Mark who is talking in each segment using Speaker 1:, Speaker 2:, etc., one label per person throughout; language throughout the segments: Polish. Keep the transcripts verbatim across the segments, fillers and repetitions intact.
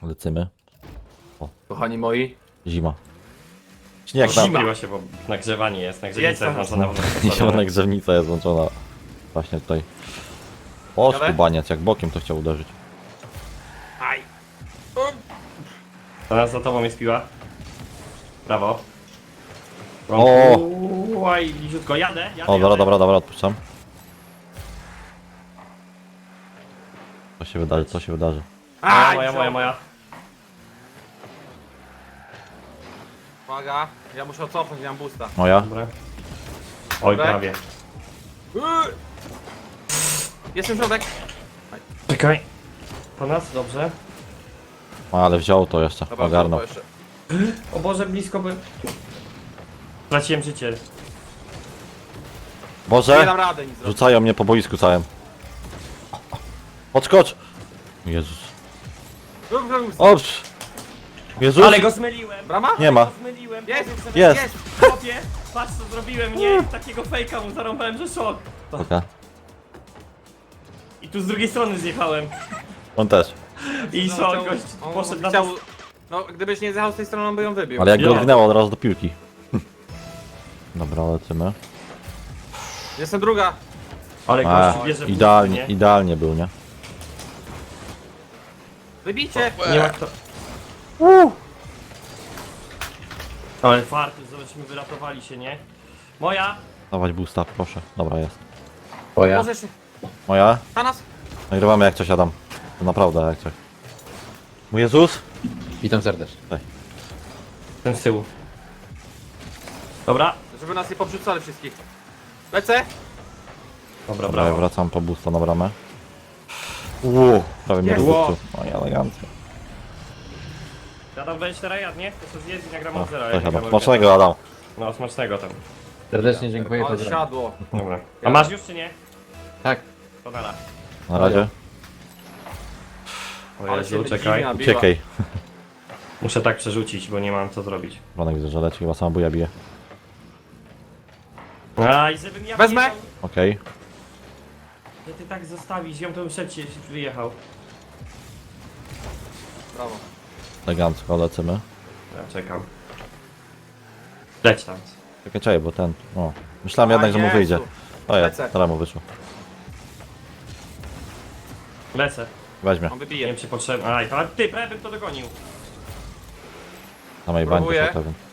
Speaker 1: Lecimy.
Speaker 2: Kochani moi.
Speaker 1: Zima. Śnieg tam.
Speaker 3: Zimno się, bo nagrzewanie jest, nagrzewanica jest włączona w
Speaker 1: Zielona grzewnica jest włączona. Właśnie tutaj. O,
Speaker 2: Jadę?
Speaker 1: skubaniec, jak bokiem to chciał uderzyć.
Speaker 2: Aj.
Speaker 3: Teraz za tobą jest piła. Brawo.
Speaker 1: O!
Speaker 3: Oj, bliziutko, jadę, jadę,
Speaker 1: O, dobra,
Speaker 3: jadę.
Speaker 1: dobra, dobra, odpuszczam. Co się wydarzy, co się wydarzy.
Speaker 3: Moja,
Speaker 2: Aj,
Speaker 3: moja, moja,
Speaker 2: wziął.
Speaker 3: moja.
Speaker 2: Uwaga, ja muszę cofnąć, nie mam boosta.
Speaker 1: Moja?
Speaker 3: Dobra. Oj,
Speaker 2: Dobra.
Speaker 3: prawie.
Speaker 2: Yy. Jestem środek.
Speaker 3: Czekaj. Po nas, dobrze.
Speaker 1: Ale wziął to jeszcze,
Speaker 2: Dobra,
Speaker 1: ogarnął.
Speaker 2: to jeszcze.
Speaker 3: O Boże, blisko by... Straciłem życie.
Speaker 2: Nie
Speaker 1: Boże!
Speaker 2: dam rady nic zrobić.
Speaker 1: Rzucają mnie po boisku całym. Odskocz! Jezus. Ops! Jezus!
Speaker 3: Ale go zmyliłem!
Speaker 2: Brama?
Speaker 1: Nie ma.
Speaker 3: Go zmyliłem!
Speaker 2: Jest,
Speaker 3: powiem sobie,
Speaker 1: Jest!
Speaker 2: jest.
Speaker 3: Chłopie, patrz co zrobiłem, nie? Takiego fejka mu zarąbałem, że szok.
Speaker 1: Oka.
Speaker 3: I tu z drugiej strony zjechałem.
Speaker 1: On też.
Speaker 3: I
Speaker 2: No,
Speaker 3: szok,
Speaker 2: chciał-
Speaker 3: gość
Speaker 2: on
Speaker 3: poszedł na...
Speaker 2: chciał, no gdybyś nie zjechał z tej strony, on by ją wybił.
Speaker 1: Ale jak go
Speaker 3: Ja.
Speaker 1: odwinęło od razu do piłki. Dobra, lecimy.
Speaker 2: Jestem druga.
Speaker 3: Ale
Speaker 1: A,
Speaker 3: gość bierze
Speaker 1: idealnie,
Speaker 3: pusty,
Speaker 1: idealnie był, nie?
Speaker 2: Wybijcie.
Speaker 3: nie? Nie ma kto... Ale farty, zobaczmy, wyratowali się, nie? Moja!
Speaker 1: Dawać boosta, proszę. Dobra, jest.
Speaker 4: Twoja.
Speaker 2: Możesz.
Speaker 1: Moja?
Speaker 2: Na nas.
Speaker 1: Nagrywamy jak coś, Adam. To naprawdę jak coś. Mój Jezus?
Speaker 4: Witam serdecznie.
Speaker 3: Ten z tyłu. Dobra.
Speaker 2: Żeby nas nie poprzedzali wszystkich. Lecę.
Speaker 3: Dobra,
Speaker 1: Dobra, ja
Speaker 3: brawo.
Speaker 1: wracam po boosta na bramę. Uuu, prawie mnie
Speaker 2: Jest.
Speaker 1: rozrzucił. No i elegancko.
Speaker 3: Ja tam będziesz teraz jadł, nie? To sobie zjedz i nagram
Speaker 1: O,
Speaker 3: od zera.
Speaker 1: cześć
Speaker 3: jak
Speaker 1: Adam.
Speaker 3: nagram
Speaker 1: Smacznego, Adam.
Speaker 3: No, smacznego tam.
Speaker 4: Serdecznie dziękuję,
Speaker 2: Ale
Speaker 4: pozdrawiam.
Speaker 2: siadło.
Speaker 3: Dobra. A masz już czy nie?
Speaker 4: Tak.
Speaker 3: To nara.
Speaker 1: Na razie.
Speaker 3: O
Speaker 2: Ale
Speaker 3: Jezu,
Speaker 2: się
Speaker 3: czekaj.
Speaker 2: dziwnie nabiła.
Speaker 1: Uciekaj.
Speaker 3: Muszę tak przerzucić, bo nie mam co zrobić.
Speaker 1: Ronek widzę, że leci, chyba sama buja bije.
Speaker 3: A i żebym ja
Speaker 2: Wezmę.
Speaker 3: wyjechał,
Speaker 1: Okej.
Speaker 3: że ty tak zostawisz, ją to bym szybciej wyjechał.
Speaker 2: Brawo.
Speaker 1: Elegancko, lecimy.
Speaker 3: Ja czekam. Leć tam.
Speaker 1: Czekaj, czekaj, bo ten... O. Myślałem
Speaker 2: A,
Speaker 1: jednak, że mu
Speaker 2: Jezu.
Speaker 1: wyjdzie. O ja,
Speaker 2: Lecę.
Speaker 1: teraz mu wyszło.
Speaker 3: Lecę.
Speaker 1: Weźmie.
Speaker 2: On
Speaker 3: Nie
Speaker 2: wybije.
Speaker 3: wiem czy potrzebny. Aj, a ty, prawie bym to dogonił.
Speaker 1: Samej bańki
Speaker 2: Próbuję.
Speaker 1: to pewien.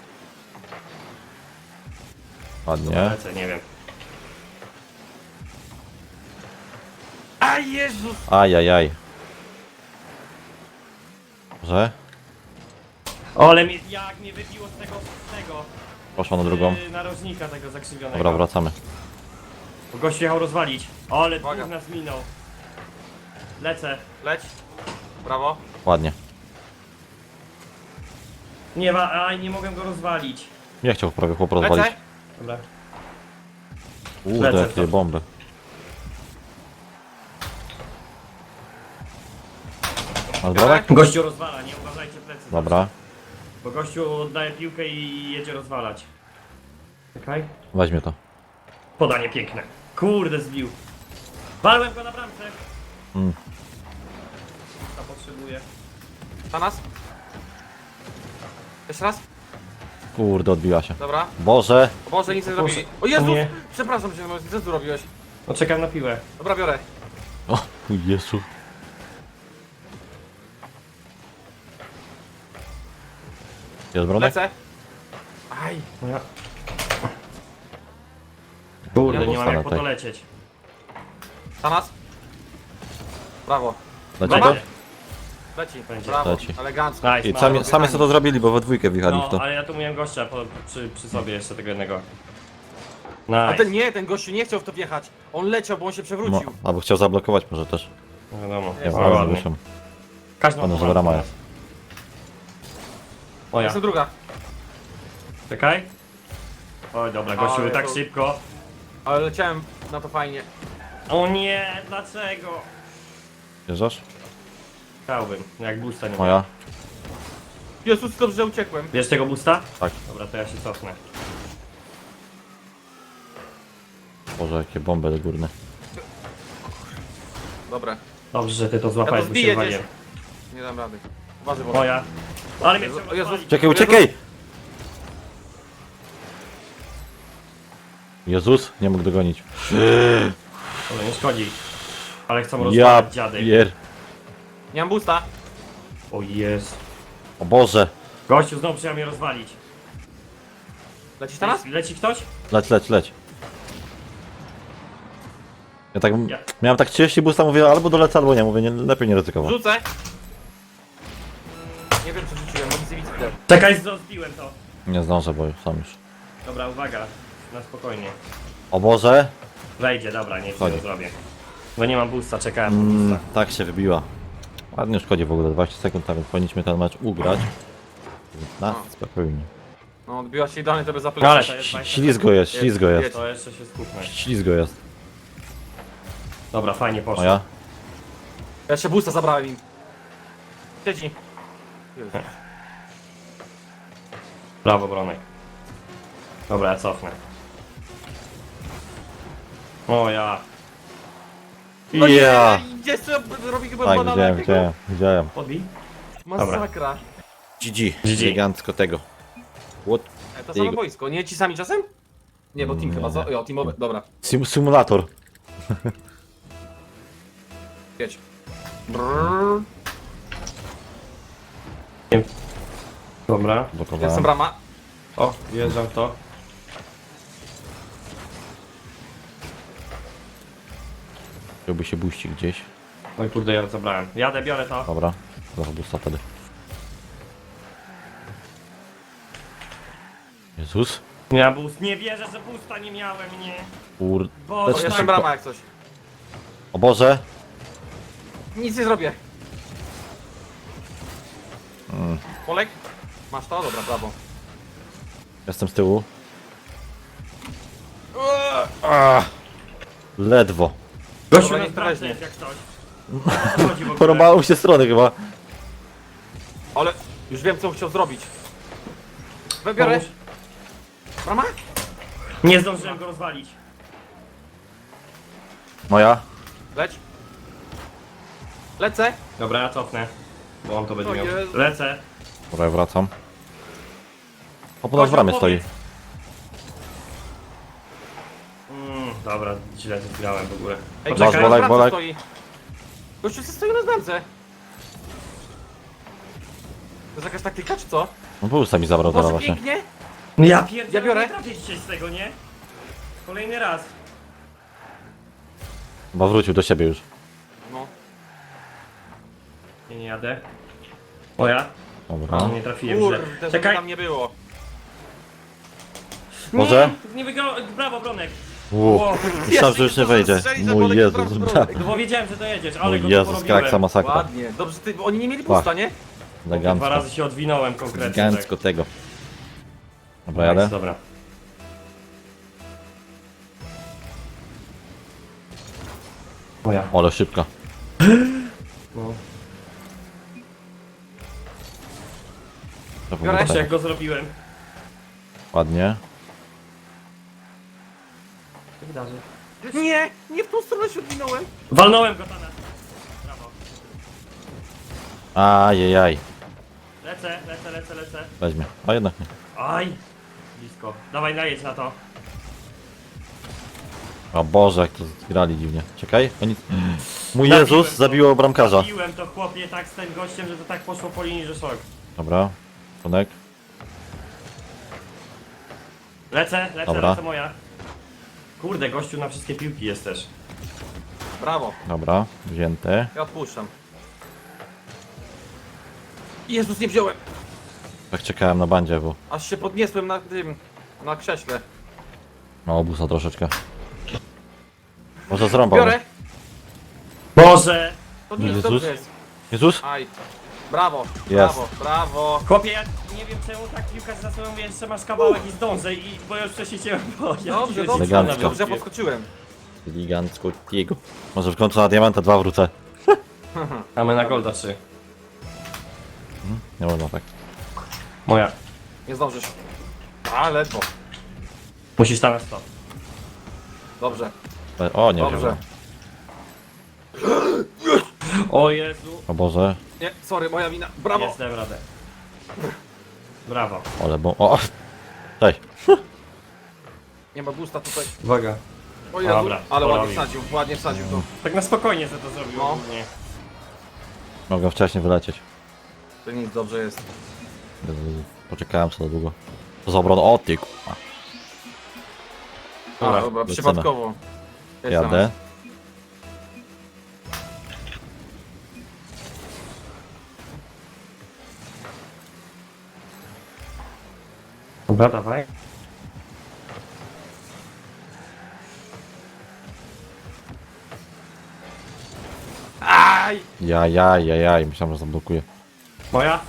Speaker 1: Ładnie.
Speaker 3: Lecę, nie wiem.
Speaker 2: A Jezus.
Speaker 1: Ajajaj. Że?
Speaker 3: O, ale mnie, jak mnie wybiło z tego, z tego.
Speaker 1: Poszła na drugą.
Speaker 3: Yy, narożnika tego zakrzywionego.
Speaker 1: Dobra, wracamy.
Speaker 3: Bo gość jechał rozwalić. O, ale
Speaker 2: Uwaga.
Speaker 3: dwóch nas minął. Lecę.
Speaker 2: Leć. Brawo.
Speaker 1: Ładnie.
Speaker 3: Nie ma, aj, nie mogę go rozwalić.
Speaker 1: Nie chciał prawie chłop rozwalić.
Speaker 2: Lecę.
Speaker 3: Dobra.
Speaker 1: Kurde,
Speaker 3: Lecę
Speaker 1: jakie
Speaker 3: to.
Speaker 1: bomby. Masz brodek?
Speaker 3: Gościu rozwala, nie uważajcie plecy.
Speaker 1: Dobra.
Speaker 3: Bo gościu oddaje piłkę i jedzie rozwalać. Czekaj.
Speaker 1: Weźmie to.
Speaker 3: Podanie piękne. Kurde, zbił. Walłem go na bramce.
Speaker 1: Mm.
Speaker 3: To potrzebuje.
Speaker 2: Na nas. Jeszcze raz.
Speaker 1: Kurde, odbiła się.
Speaker 2: Dobra.
Speaker 1: Boże!
Speaker 2: O Boże, nic nie
Speaker 3: Boże.
Speaker 2: zrobili. O Jezus.
Speaker 3: Nie.
Speaker 2: Przepraszam cię, no, co tu robiłeś?
Speaker 3: No czekam na piłę.
Speaker 2: Dobra, biorę.
Speaker 1: O, Jezu. Jest brodek?
Speaker 2: Lecę. Aj.
Speaker 3: No ja... Kurde,
Speaker 2: Ja
Speaker 3: nie mam
Speaker 1: postanę
Speaker 3: jak po to
Speaker 1: tak.
Speaker 3: lecieć.
Speaker 2: Na nas. Brawo.
Speaker 1: Leci
Speaker 3: Dobra.
Speaker 1: to?
Speaker 2: Leci.
Speaker 3: Będzie.
Speaker 2: Brawo.
Speaker 1: Leci.
Speaker 2: Elegancko.
Speaker 3: Nice,
Speaker 1: I
Speaker 3: mało.
Speaker 1: sami, sami sobie to zrobili, bo we dwójkę wjechali w
Speaker 3: No,
Speaker 1: to.
Speaker 3: ale ja tu miałem gościa po, przy, przy sobie jeszcze tego jednego.
Speaker 2: A
Speaker 3: Nice.
Speaker 2: ten nie, ten gościu nie chciał w to wjechać. On leciał, bo on się
Speaker 1: No,
Speaker 2: przewrócił.
Speaker 1: albo chciał zablokować może też.
Speaker 3: No wiadomo.
Speaker 1: Nie
Speaker 2: Jest
Speaker 1: wiem,
Speaker 3: O,
Speaker 1: ale
Speaker 3: ładnie.
Speaker 1: wyszło.
Speaker 3: Każdą
Speaker 1: Ładna, że
Speaker 3: pomału
Speaker 1: brama
Speaker 3: teraz.
Speaker 1: jest.
Speaker 3: O ja.
Speaker 2: Jestem druga.
Speaker 3: Czekaj. Oj dobra, gościu
Speaker 2: Ale
Speaker 3: tak
Speaker 2: to-
Speaker 3: szybko.
Speaker 2: Ale leciałem na to fajnie.
Speaker 3: O nie, dlaczego?
Speaker 1: Wjeżdżasz?
Speaker 3: Chciałbym, jak boosta nie ma.
Speaker 1: Moja?
Speaker 2: Jezus, dobrze, że uciekłem.
Speaker 3: Wiesz tego boosta?
Speaker 1: Tak.
Speaker 3: Dobra, to ja się cofnę.
Speaker 1: Boże, jakie bomby górne.
Speaker 2: Dobra.
Speaker 3: Dobrze, że ty to
Speaker 2: Ja
Speaker 3: złapałeś,
Speaker 2: to
Speaker 3: bo się
Speaker 2: zbiję
Speaker 3: waliłem.
Speaker 2: gdzieś. Nie dam rady. Uważaj, Boże.
Speaker 3: Moja. Ale mnie
Speaker 2: Jezu-
Speaker 3: chciał
Speaker 2: Jezus.
Speaker 3: rozwalić.
Speaker 1: Uciekaj, uciekaj! Jezus, nie mógł dogonić.
Speaker 3: Ale nie szkodzi. Ale chcą
Speaker 1: Ja
Speaker 3: rozwalać dziady.
Speaker 1: pier...
Speaker 2: Nie mam boosta.
Speaker 3: O jest.
Speaker 1: O Boże.
Speaker 3: Gościu znowu chciał mnie rozwalić.
Speaker 2: Lecisz teraz?
Speaker 3: Leci ktoś?
Speaker 1: Leć, leć, leć. Ja tak...
Speaker 3: Ja.
Speaker 1: Miałem tak trzydzieści boosta, mówię albo dolecę, albo nie. Mówię, nie, lepiej nie ryzykować.
Speaker 2: Rzucę. Nie wiem, co rzuciłem, bo nic nie widzę.
Speaker 3: Czekaj, zbiłem to.
Speaker 1: Nie zdążę, bo sam już.
Speaker 3: Dobra, uwaga. Na spokojnie.
Speaker 1: O Boże.
Speaker 3: Wejdzie, dobra, nie
Speaker 1: Chodzi.
Speaker 3: to zrobię. Bo nie mam boosta, czekałem na
Speaker 1: Mm,
Speaker 3: boosta.
Speaker 1: tak się wybiła. Ładnie szkodzi w ogóle, dwadzieścia sekund, a więc powinniśmy ten mecz ugrać. Na spokojnie.
Speaker 2: No, odbiła się idealnie, to by
Speaker 3: Ale
Speaker 2: zapleczyć.
Speaker 3: to jest dwadzieścia
Speaker 1: Ślizgo jest, ślizgo jest.
Speaker 3: To jeszcze się skupmy.
Speaker 1: Ślizgo jest.
Speaker 3: Dobra, fajnie poszło.
Speaker 1: Moja?
Speaker 2: Ja jeszcze boosta zabrałem im. Siedzi.
Speaker 3: Brawo, Bronek. Dobra, ja cofnę. O ja.
Speaker 2: No nie,
Speaker 1: Ja!
Speaker 2: gdzie sobie robi chyba
Speaker 1: Tak,
Speaker 2: banana
Speaker 1: widziałem,
Speaker 2: jakiego?
Speaker 1: widziałem, widziałem.
Speaker 3: Podbij.
Speaker 2: Masakra.
Speaker 1: G G.
Speaker 3: G G.
Speaker 1: Elegancko tego. What?
Speaker 2: E, to samo
Speaker 1: Jego.
Speaker 2: boisko, nie ci sami czasem? Nie, bo team
Speaker 1: Nie.
Speaker 2: chyba, co? Jo, teamowy, dobra.
Speaker 1: Sim symulator.
Speaker 2: Jedź. Brrr.
Speaker 3: Dobra.
Speaker 2: Jestem
Speaker 1: Blokowałem.
Speaker 2: brama.
Speaker 3: O, wjeżdżam w to.
Speaker 1: Chciałby się buścić gdzieś.
Speaker 3: Oj kurde, ja zabrałem. Jadę, biorę to.
Speaker 1: Dobra. Zaraz busta wtedy. Jezus.
Speaker 3: Ja boost. Nie wierzę, że boosta nie miałem, nie.
Speaker 1: Kur...
Speaker 3: Boże,
Speaker 1: Lecz
Speaker 2: Jestem
Speaker 1: szybko.
Speaker 2: brama jak coś.
Speaker 1: O Boże.
Speaker 2: Nic nie zrobię.
Speaker 1: Mm.
Speaker 2: Polek? Masz to? Dobra, brawo.
Speaker 1: Jestem z tyłu. Ah. Ledwo.
Speaker 3: Gościu
Speaker 2: Dobra,
Speaker 3: na
Speaker 2: niech to
Speaker 3: pracy
Speaker 2: weźmie.
Speaker 3: jest jak coś. Chodzi w ogóle.
Speaker 1: Porąbało mi się strony chyba.
Speaker 2: Ale już wiem, co on chciał zrobić. Wybiorę.
Speaker 3: Pomóż.
Speaker 2: Brama?
Speaker 3: Nie zdążyłem go rozwalić.
Speaker 1: Moja?
Speaker 2: Leć. Lecę.
Speaker 3: Dobra, ja cofnę. Bo on to będzie
Speaker 2: O
Speaker 3: miał.
Speaker 2: Jezu.
Speaker 3: Lecę.
Speaker 1: Dobra, ja wracam. O, po nas w
Speaker 2: Gościu,
Speaker 1: bramie stoi.
Speaker 2: powiedz.
Speaker 3: Mm, dobra, źle to zgrałem w ogóle.
Speaker 2: Ej,
Speaker 1: Bolek,
Speaker 2: czekaj,
Speaker 1: bolek,
Speaker 2: na
Speaker 1: bolek.
Speaker 2: stoi. Gościu co stoi na znamce. To jest jakaś taktyka, czy co?
Speaker 1: No busta mi zabrał teraz
Speaker 2: Boże,
Speaker 1: właśnie.
Speaker 2: pięknie.
Speaker 3: No ja pierdzielę,
Speaker 2: Ja biorę.
Speaker 3: nie trafię dzisiaj z tego, nie? Kolejny raz.
Speaker 1: Chyba wrócił do siebie już.
Speaker 2: No.
Speaker 3: Nie, nie jadę. O ja?
Speaker 1: Dobra.
Speaker 3: No, nie trafiłem źle.
Speaker 2: Kurde, żeby
Speaker 3: Czekaj.
Speaker 2: tam nie było.
Speaker 1: Może?
Speaker 3: Nie, nie wygrał. Brawo, Bronek.
Speaker 1: Uuu, myślałem, że już nie wejdzie.
Speaker 2: Strzeli, że
Speaker 1: Mój
Speaker 2: Bolek
Speaker 1: Jezus.
Speaker 2: wybrał
Speaker 1: bra-
Speaker 2: zbroję.
Speaker 3: No bo wiedziałem, że dojedziesz, ale
Speaker 1: Mój
Speaker 3: go
Speaker 1: Jezus,
Speaker 3: porobiłem.
Speaker 1: kraksa masakra.
Speaker 2: Ładnie. Dobrze, ty, oni nie mieli pusta, nie?
Speaker 3: Dwa
Speaker 1: Elegancko.
Speaker 3: razy się odwinąłem konkretnie.
Speaker 1: Elegancko tego. Dobra,
Speaker 3: Tak.
Speaker 1: jadę?
Speaker 3: Nice, dobra. Moja.
Speaker 1: Ale szybka.
Speaker 3: No.
Speaker 1: To
Speaker 2: Biorę
Speaker 1: było
Speaker 3: Patrz
Speaker 1: tak.
Speaker 3: jak go zrobiłem.
Speaker 1: Ładnie.
Speaker 3: Co wydarzy?
Speaker 2: Nie, nie w tą stronę się odwinąłem.
Speaker 3: Walnąłem go tam. Brawo.
Speaker 1: Ajajaj.
Speaker 3: Lecę, lecę, lecę, lecę.
Speaker 1: Weźmie. A jednak nie.
Speaker 3: Aj! Blisko. Dawaj, najedź na to.
Speaker 1: O Boże, jak to grali dziwnie. Czekaj, oni... Mój
Speaker 3: Zabiłem
Speaker 1: Jezus
Speaker 3: to.
Speaker 1: zabiło bramkarza.
Speaker 3: Piłem to chłopie tak z tym gościem, że to tak poszło po linii, że szok.
Speaker 1: Dobra. Tonek.
Speaker 3: Lecę, lecę,
Speaker 1: Dobra.
Speaker 3: lecę moja. Kurde, gościu na wszystkie piłki jest też.
Speaker 2: Brawo.
Speaker 1: Dobra, wzięty.
Speaker 2: Ja odpuszczam. Jezus, nie wziąłem.
Speaker 1: Tak czekałem na bandzie, bo...
Speaker 2: Aż się podniosłem na tym, na krześle.
Speaker 1: No, obusa troszeczkę. Może zrąbał.
Speaker 2: Biorę.
Speaker 3: Boże!
Speaker 2: To nie jest
Speaker 1: Jezus.
Speaker 2: dobrze jest.
Speaker 1: Jezus?
Speaker 2: Aj. Brawo,
Speaker 1: Jest.
Speaker 2: brawo, brawo.
Speaker 3: Chłopie, ja nie wiem czemu tak piłkarz za sobą jeszcze masz kawałek i zdążę i bo ja już wcześniej cię bo ja
Speaker 2: Dobrze,
Speaker 3: ci-
Speaker 2: dobrze,
Speaker 1: Elegancko.
Speaker 2: dobrze, ja podskoczyłem.
Speaker 1: Elegancko jego. Może w końcu na diamanta dwa wrócę.
Speaker 3: A my na golda trzy.
Speaker 1: Nie można tak.
Speaker 3: Moja.
Speaker 2: Nie zdążysz. A, ledwo.
Speaker 3: Musisz tam na sto.
Speaker 2: Dobrze.
Speaker 1: O, nie
Speaker 2: Dobrze.
Speaker 1: wziąłem.
Speaker 3: O Jezu.
Speaker 1: O Boże.
Speaker 2: Nie, sorry, moja wina. Brawo!
Speaker 3: Jest, dam radę. Brawo.
Speaker 1: Ale bo... O! Cześć.
Speaker 2: Nie ma boosta tutaj.
Speaker 3: Uwaga.
Speaker 2: O Jezu,
Speaker 3: Dobra,
Speaker 2: ale ładnie
Speaker 3: porobił.
Speaker 2: wsadził, ładnie wsadził to.
Speaker 3: Tak na spokojnie że to zrobił
Speaker 2: No.
Speaker 3: ogólnie.
Speaker 1: Mogę wcześniej wylecieć.
Speaker 2: To nic, dobrze jest.
Speaker 1: Poczekałem co za długo. To za obrona. O ty k***a.
Speaker 2: A,
Speaker 3: Dobra,
Speaker 2: dobra,
Speaker 1: lecimy.
Speaker 2: przypadkowo. Jest
Speaker 1: Jadę.
Speaker 3: Dobra, dawaj.
Speaker 2: Aj!
Speaker 1: Ja, ja, ja, ja. Myślałem, że zablokuje.
Speaker 3: Moja?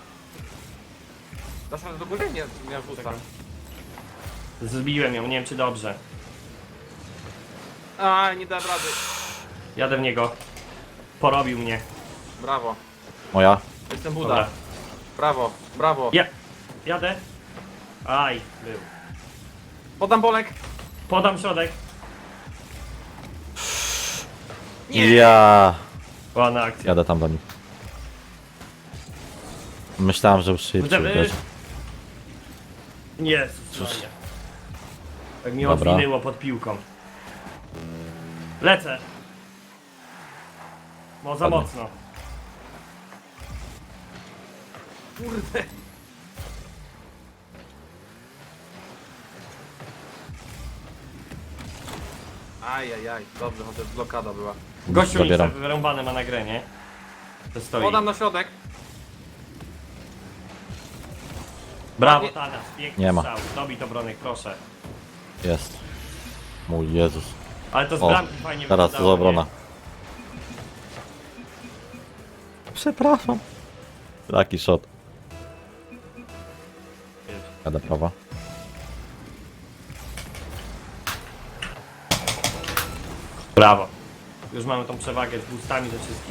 Speaker 2: Dasz radę do góry? Nie, nie masz boosta.
Speaker 3: Zbiłem ją, nie wiem czy dobrze.
Speaker 2: Aj, nie dałem rady.
Speaker 3: Jadę w niego. Porobił mnie.
Speaker 2: Brawo.
Speaker 1: Moja.
Speaker 2: Jestem Buda.
Speaker 3: Dobra.
Speaker 2: Brawo, brawo.
Speaker 3: Ja. Jadę. Aj, był.
Speaker 2: Podam bolek.
Speaker 3: Podam środek.
Speaker 2: Nie.
Speaker 1: Ja.
Speaker 3: Ładna akcja.
Speaker 1: Jadę tam do nich. Myślałem, że już szybciej.
Speaker 3: Będziemy-
Speaker 1: wiesz.
Speaker 3: Jezus Maria. Tak mi
Speaker 1: Dobra.
Speaker 3: odwinęło pod piłką. Lecę. Bo za
Speaker 1: Ładnie.
Speaker 3: mocno.
Speaker 2: Kurde. Aj, aj, aj. Dobrze, chociaż blokada była.
Speaker 3: Gościu mi
Speaker 1: Zabieram.
Speaker 3: wyrąbane ma na grę, nie? To stoi.
Speaker 2: Podam na środek.
Speaker 3: Brawo
Speaker 2: Ładnie.
Speaker 3: Tanas, piękny
Speaker 1: Nie ma.
Speaker 3: strzał. Dobij to Bronek, proszę.
Speaker 1: Jest. Mój Jezus.
Speaker 3: Ale to z
Speaker 1: O,
Speaker 3: bramki fajnie
Speaker 1: teraz to
Speaker 3: wyglądało,
Speaker 1: za obrona.
Speaker 3: nie?
Speaker 1: Przepraszam. Taki shot. Jadę prawa.
Speaker 3: Brawo. Już mamy tą przewagę z boostami ze wszystkim.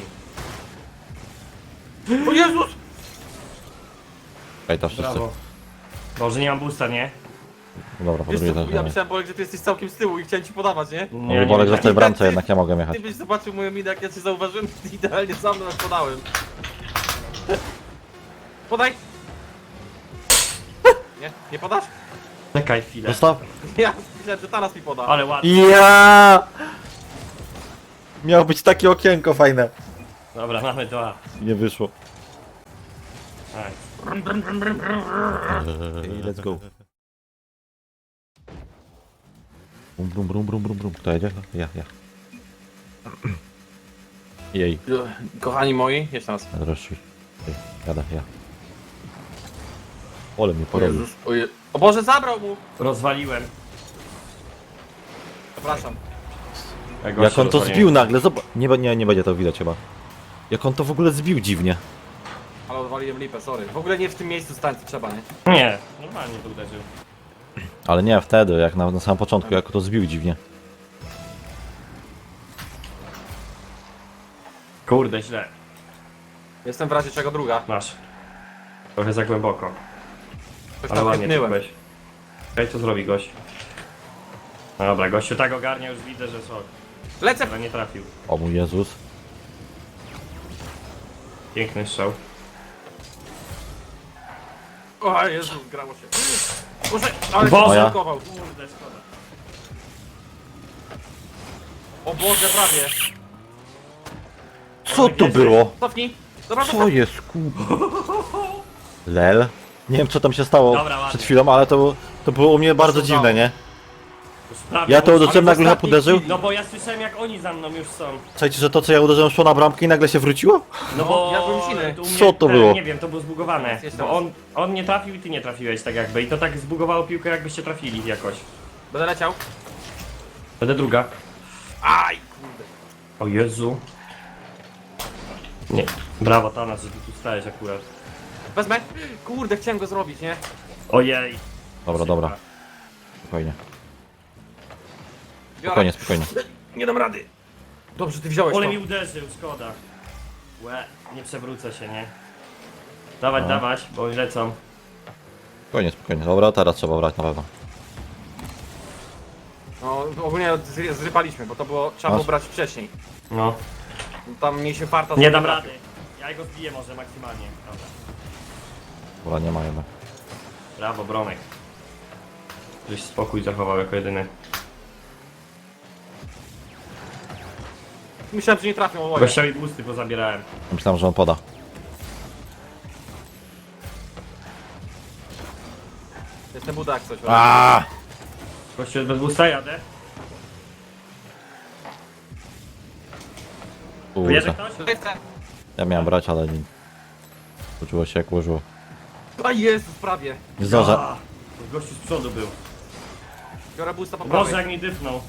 Speaker 2: O Jezus!
Speaker 1: Ej, to wszyscy.
Speaker 3: Brawo. Boże, nie mam boosta, nie?
Speaker 1: Dobra, po
Speaker 2: Wiesz
Speaker 1: drugie
Speaker 2: co,
Speaker 1: też.
Speaker 2: ja
Speaker 1: nie.
Speaker 2: myślałem, Bolek, że ty jesteś całkiem z tyłu i chciałem ci podawać, nie?
Speaker 1: No, Bolek, że w tej bramce jednak ja mogę jechać.
Speaker 2: Ty byś zobaczył moją minę, jak ja cię zauważyłem, ty idealnie za mną jak podałem. Podaj! Nie? Nie podasz?
Speaker 3: Czekaj chwilę.
Speaker 1: Zostaw.
Speaker 2: Ja myślałem, że Tanas mi poda.
Speaker 3: Ale ładnie.
Speaker 1: Ja! Miało być takie okienko fajne.
Speaker 3: Dobra, mamy dwa.
Speaker 1: Nie wyszło.
Speaker 3: Tak.
Speaker 1: Ej, let's go. Brum, brum, brum, brum, brum, brum. Kto jedzie? Ja, ja. Jej,
Speaker 2: Kochani moi, jeszcze raz.
Speaker 1: rozszuj. Ej, Jadę, ja. Ole mnie porobił.
Speaker 2: o, Je... o Boże, zabrał mu!
Speaker 3: Rozwaliłem.
Speaker 2: Przepraszam.
Speaker 3: Ja
Speaker 1: Jak
Speaker 3: gościu
Speaker 1: on to
Speaker 3: rozwaliłem.
Speaker 1: zbił nagle, zobacz. Nie, nie, nie będzie to widać chyba. Jak on to w ogóle zbił dziwnie.
Speaker 2: Ale odwaliłem lipę, sorry. W ogóle nie w tym miejscu stań, co trzeba, nie?
Speaker 3: Nie, normalnie to uderzył.
Speaker 1: Ale nie wtedy, jak na, na samym początku, jak to zbił dziwnie.
Speaker 3: Kurde, źle.
Speaker 2: Jestem w razie czego druga.
Speaker 3: Masz. Trochę za głęboko.
Speaker 2: Coś
Speaker 3: Ale
Speaker 2: tam
Speaker 3: ładnie
Speaker 2: pyknąłem.
Speaker 3: czułeś. Okej, co zrobi gość? No dobra, gościu tak ogarnia, już widzę, że sok.
Speaker 2: Lecę!
Speaker 3: Ale nie trafił.
Speaker 1: O mój Jezus.
Speaker 3: Piękny strzał.
Speaker 2: O Jezus, grało się. Boże, ale
Speaker 3: Boże!
Speaker 2: się zablokował.
Speaker 3: Kurde, szkoda.
Speaker 2: O Boże, prawie.
Speaker 1: Co to było?
Speaker 2: Cofnij. Dobra,
Speaker 1: Co
Speaker 2: dobra.
Speaker 1: jest ku... Lel? Nie wiem co tam się stało
Speaker 3: Dobra, ładnie.
Speaker 1: przed chwilą, ale to, to było u mnie bardzo
Speaker 2: udało.
Speaker 1: dziwne, nie?
Speaker 3: Już prawie,
Speaker 1: Ja to
Speaker 3: bo-
Speaker 1: uderzyłem,
Speaker 2: ale
Speaker 1: nagle
Speaker 2: ostatni
Speaker 1: uderzył.
Speaker 2: kill.
Speaker 3: No bo ja słyszałem jak oni za mną już są.
Speaker 1: Słuchajcie, że to co ja uderzyłem szło na bramkę i nagle się wróciło?
Speaker 3: No bo
Speaker 2: ja byłem silny.
Speaker 3: tu u mnie
Speaker 1: Co to
Speaker 3: ten,
Speaker 1: było?
Speaker 3: Nie wiem, to było zbugowane.
Speaker 2: Jest
Speaker 3: Bo
Speaker 2: teraz.
Speaker 3: on, on nie trafił i ty nie trafiłeś tak jakby. I to tak zbugowało piłkę jakbyście trafili jakoś.
Speaker 2: Będę leciał.
Speaker 3: Będę druga.
Speaker 2: Aj, kurde.
Speaker 3: O Jezu. Nie. Brawo Tanas, że ty tu stałeś akurat.
Speaker 2: Wezmę. Kurde, chciałem go zrobić, nie?
Speaker 3: Ojej.
Speaker 1: Dobra, dobra. Spokojnie.
Speaker 2: Biorę.
Speaker 1: Spokojnie, spokojnie.
Speaker 2: Nie dam rady. Dobrze, ty wziąłeś
Speaker 3: Ole
Speaker 2: to.
Speaker 3: mi uderzył, szkoda. Łe, nie przewrócę się, nie? Dawać,
Speaker 1: No.
Speaker 3: dawać, bo oni lecą.
Speaker 1: Spokojnie, spokojnie. Dobra, teraz trzeba brać na pewno.
Speaker 2: No, ogólnie zry- zrypaliśmy, bo to było, trzeba
Speaker 1: Masz?
Speaker 2: było brać wcześniej.
Speaker 3: No.
Speaker 2: Tam mnie się farta
Speaker 3: Nie dam
Speaker 2: zrobiła.
Speaker 3: rady. Ja go zbiję może maksymalnie. Dobra.
Speaker 1: Dobra, nie ma jednak.
Speaker 3: Brawo, Bronek. Żeś spokój zachował jako jedyny.
Speaker 2: Myślałem, że nie trafią oboje.
Speaker 3: Gościowi busty pozabierałem.
Speaker 1: Myślałem, że on poda.
Speaker 2: Jestem buda jak coś.
Speaker 1: Aaaa!
Speaker 3: Gościu jest bez busta, jadę. Jedzie
Speaker 1: Kurde.
Speaker 3: ktoś?
Speaker 2: Lecę.
Speaker 1: Ja miałem brać, ale nie. Poczuło się jak ułożyło.
Speaker 2: A Jezus, prawie.
Speaker 1: Nie zdążę.
Speaker 3: A, gościu z przodu był.
Speaker 2: Biorę boosta po
Speaker 3: Boże,
Speaker 2: prawej.
Speaker 3: jak mi dyfnął.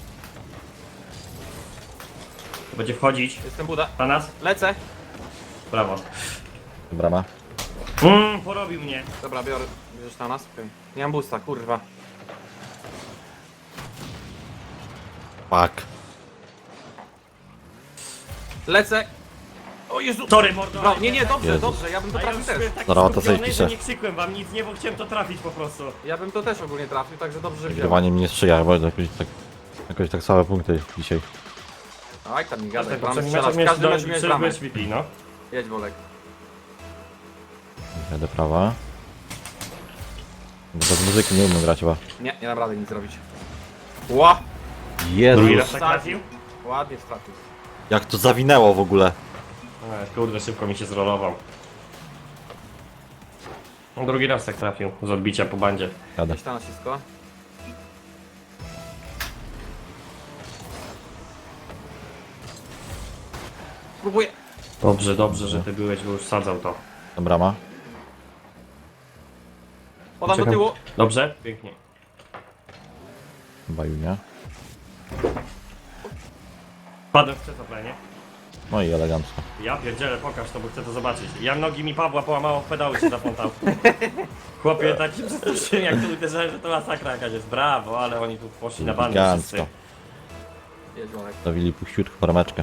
Speaker 3: Będzie wchodzić.
Speaker 2: Jestem buda.
Speaker 3: Na nas?
Speaker 2: Lecę.
Speaker 3: Brawo.
Speaker 1: Brama.
Speaker 3: Mmm, porobił mnie.
Speaker 2: Dobra, biorę. Bierzesz na nas? Okej. Nie mam boosta, kurwa.
Speaker 1: Fuck.
Speaker 2: Lecę. O Jezu.
Speaker 3: Sorry, mordo.
Speaker 2: Bra- nie, nie, dobrze,
Speaker 1: Jezus.
Speaker 2: dobrze. Ja bym to
Speaker 3: A ja
Speaker 2: trafił
Speaker 3: już
Speaker 2: też.
Speaker 3: byłem taki
Speaker 1: Dobra, to sobie
Speaker 3: skupiony,
Speaker 1: piszę.
Speaker 3: że nie krzykłem wam nic, nie, bo chciałem to trafić po prostu.
Speaker 2: Ja bym to też ogólnie trafił, także dobrze, że wziąłem.
Speaker 1: Wygrywanie mi nie sprzyja, bo jakoś tak, jakoś tak słabe punkty dzisiaj.
Speaker 2: Aj, tam mi gadaj.
Speaker 3: Tak,
Speaker 2: Bram
Speaker 3: poprzednim
Speaker 2: strzela.
Speaker 3: meczu
Speaker 2: W każdym
Speaker 3: miałeś
Speaker 2: meczu miałeś
Speaker 3: do-
Speaker 2: bramę.
Speaker 3: byłeś V P, no.
Speaker 2: Jedź, Bolek.
Speaker 1: Jadę prawa. Bez muzyki nie umiem grać chyba.
Speaker 2: Nie, nie dam rady nic zrobić. Ła!
Speaker 3: Drugi
Speaker 1: Jezus,
Speaker 3: raz tak trafił?
Speaker 2: Ładnie trafił.
Speaker 1: jak to zawinęło w ogóle.
Speaker 3: E, kurde, szybko mi się zrolował. No, drugi raz tak trafił, z odbicia po bandzie.
Speaker 1: Jadę.
Speaker 2: Gdzieś tam nacisko. Próbuję.
Speaker 3: Dobrze, dobrze, że ty byłeś, bo już sadzał to.
Speaker 1: Brama.
Speaker 2: Podam do
Speaker 3: Czekam.
Speaker 2: tyłu.
Speaker 3: Dobrze? Pięknie.
Speaker 1: Chyba Junia.
Speaker 3: Padłem w przetoplenie.
Speaker 1: No i elegancko.
Speaker 3: Ja pierdzielę, pokaż to, bo chcę to zobaczyć. Ja nogi mi Pawła połamało, w pedały się zaplątał. Chłopie, tak się przestraszyłem, jak tu uderzałem, że to masakra jakaś jest. Brawo, ale oni tu poszli na bandę wszyscy.
Speaker 1: Elegancko.
Speaker 2: Jedź, Bolek.
Speaker 1: Zawili puściutko brameczkę.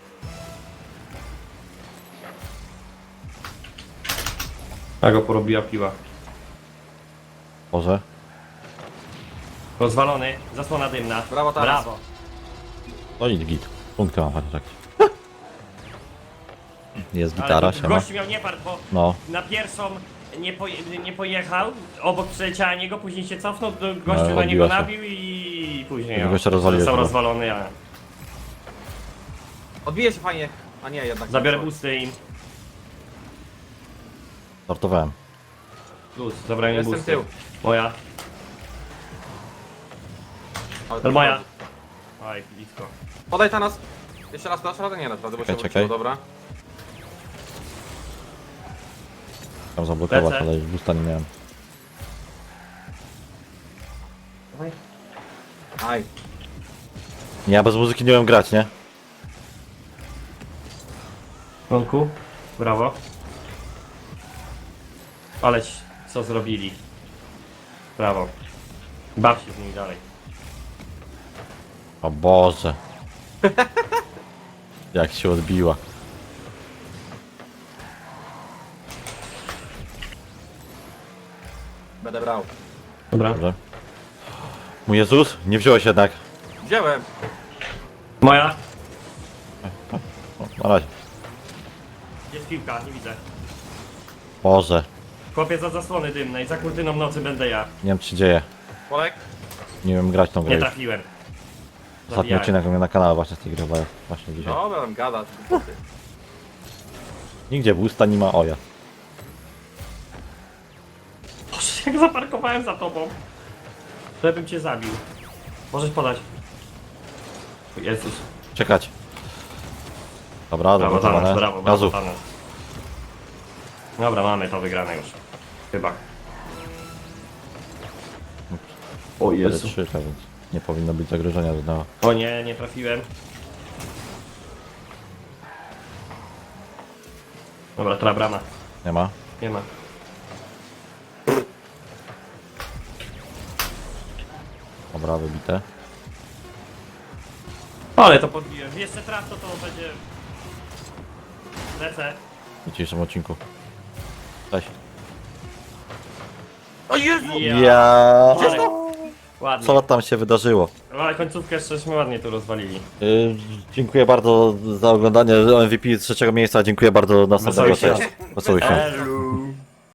Speaker 3: A go porobiła piła.
Speaker 1: Boże.
Speaker 3: Rozwalony, zasłona dymna.
Speaker 2: Brawo, Taras.
Speaker 3: Brawo.
Speaker 1: No i git. Punkty mam chociaż jakieś. Jest
Speaker 3: Ale
Speaker 1: gitara,
Speaker 3: tu
Speaker 1: siema.
Speaker 3: gościu miał niepart, bo
Speaker 1: No.
Speaker 3: na pierwszą nie, poje, nie pojechał, obok przeleciała niego, później się cofnął, do- gościu
Speaker 1: No,
Speaker 3: na niego
Speaker 1: odbiła się.
Speaker 3: nabił i później
Speaker 1: Tego
Speaker 3: o,
Speaker 1: gościa rozwaliłeś,
Speaker 3: został
Speaker 1: no.
Speaker 3: rozwalony, a
Speaker 2: Odbije się fajnie. A nie, jednak.
Speaker 3: zabiorę
Speaker 2: nie.
Speaker 3: busty im.
Speaker 1: Startowałem.
Speaker 3: Plus, zabrałem im
Speaker 2: Jestem
Speaker 3: busty.
Speaker 2: tył.
Speaker 3: Moja.
Speaker 2: Ale
Speaker 3: To moja. Oj, blisko.
Speaker 2: Podaj ta nas. Jeszcze raz dasz radę? Nie dasz rady, bo się
Speaker 1: Czekaj,
Speaker 2: wróciło,
Speaker 1: czekaj.
Speaker 2: dobra.
Speaker 1: Tam zablokować,
Speaker 3: Lecę.
Speaker 1: ale już busta nie miałem.
Speaker 2: Aj.
Speaker 1: Nie, ja bez muzyki nie umiem grać, nie?
Speaker 3: Ronku, brawo. Aleś, co zrobili. Brawo. Baw się z nimi dalej.
Speaker 1: O Boże. Jak się odbiła.
Speaker 2: Będę brał.
Speaker 3: Dobra.
Speaker 1: Dobrze. Mój Jezus, nie wziąłeś jednak.
Speaker 2: Wziąłem.
Speaker 3: Moja.
Speaker 1: O, na razie.
Speaker 3: Jest piłka, nie widzę.
Speaker 1: Boże.
Speaker 3: Chłopiec za zasłony dymnej, za kurtyną nocy będę ja.
Speaker 1: Nie wiem, co się dzieje.
Speaker 2: Bolek.
Speaker 1: Nie wiem grać tą grę
Speaker 3: Nie
Speaker 1: już.
Speaker 3: trafiłem.
Speaker 1: Ostatni
Speaker 3: Zabijałem.
Speaker 1: odcinek u mnie na kanale właśnie z tej gry chyba jest właśnie dzisiaj.
Speaker 2: Dobra, tam gada.
Speaker 1: Nigdzie busta nie ma oja.
Speaker 3: Boże, jak zaparkowałem za tobą. Żebym cię zabił. Możesz podać. O Jezus.
Speaker 1: Czekać. Dobra,
Speaker 3: Brawo,
Speaker 1: dobra,
Speaker 3: Thanos, brawo, brawo,
Speaker 1: Gazu.
Speaker 3: Thanos. Dobra, mamy to wygrane już. Chyba. O
Speaker 1: cztery trzy, więc nie powinno być zagrożenia żadnego.
Speaker 3: O nie, nie trafiłem. Dobra, tra brama.
Speaker 1: Nie ma?
Speaker 3: Nie ma.
Speaker 1: Dobra, wybite.
Speaker 3: Ale to podbiłem. Jeszcze traf to to będzie... Lecę.
Speaker 1: W dzisiejszym odcinku. Cześć.
Speaker 2: O Jezu!
Speaker 3: Ja.
Speaker 1: Ja.
Speaker 3: Ale... Ładnie.
Speaker 1: Co tam się wydarzyło?
Speaker 3: No, ale końcówkę jeszcze ładnie tu rozwalili.
Speaker 1: Yy, dziękuję bardzo za oglądanie M V P z trzeciego miejsca. Dziękuję bardzo. Następnego.
Speaker 3: Wesołych
Speaker 1: Cześć. Wesołych świąt.
Speaker 3: Elu.